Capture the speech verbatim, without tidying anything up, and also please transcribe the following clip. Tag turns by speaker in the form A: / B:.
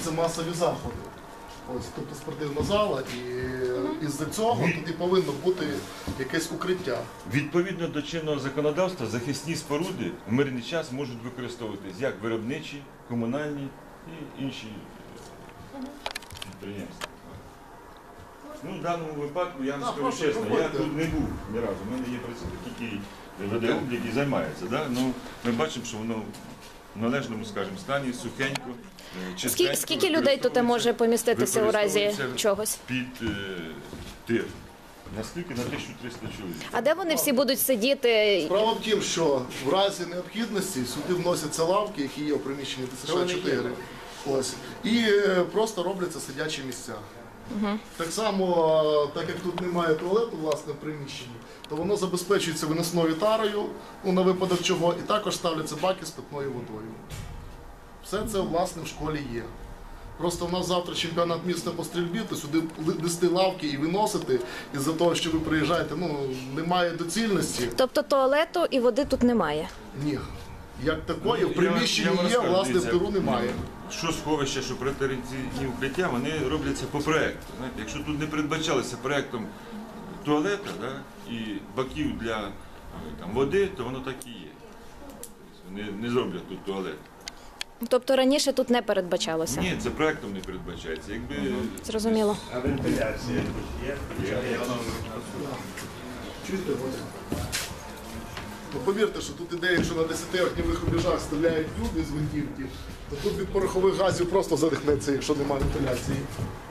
A: проводяться масові заходи. Ось, тобто спортивна зала, і із-за цього тут і повинно бути якесь укриття.
B: Відповідно до чинного законодавства, захисні споруди в мирний час можуть використовуватись як виробничі, комунальні і інші підприємства. Ну, в даному випадку, я вам
A: Так,
B: скажу
A: прошу,
B: чесно, я
A: проходьте.
B: тут не був ні разу. У мене є працівник, який веде облік і займається. Да? Ну, ми бачимо, що воно в належному, скажімо, стані, сухенько, е, чистенько.
C: Скільки, скільки людей тут може поміститися у разі
B: використовується
C: чогось?
B: Під е, тир. Наскільки? На тисячу триста чоловік.
C: А де вони всі будуть сидіти?
A: Справа в тім, що в разі необхідності сюди вносяться лавки, які є у приміщенні Т С Ш чотири. Ось. І е, просто робляться сидячі місця. Угу. Так само, так як тут немає туалету власне в приміщенні, то воно забезпечується виносною тарою, ну, на випадок чого, і також ставляться баки з питною водою. Все це власне в школі є. Просто в нас завтра чемпіонат міста по стрільбі, то сюди нести лавки і виносити, із-за того, що ви приїжджаєте, ну, немає доцільності.
C: Тобто туалету і води тут немає?
A: Ні. Як такої,
B: Ну,
A: в приміщенні
B: я вам
A: є,
B: розкажу,
A: власне, в
B: дивіться,
A: тиру немає.
B: Що сховище, що протирадіаційні укриття, вони робляться по проєкту. Знаєте, якщо тут не передбачалося проєктом туалета, да, і баків для е, там, води, то воно так і є. Вони не зроблять тут туалет.
C: Тобто раніше тут не передбачалося?
B: Ні, це проєктом не передбачається. Якби...
C: Зрозуміло.
D: А вентиляція є?
A: Чуєте, ось? Ну, повірте, що тут ідея, якщо на десяти огнівих рубежах стріляють люди з гвинтівки, то тут від порохових газів просто задихнеться, якщо немає вентиляції.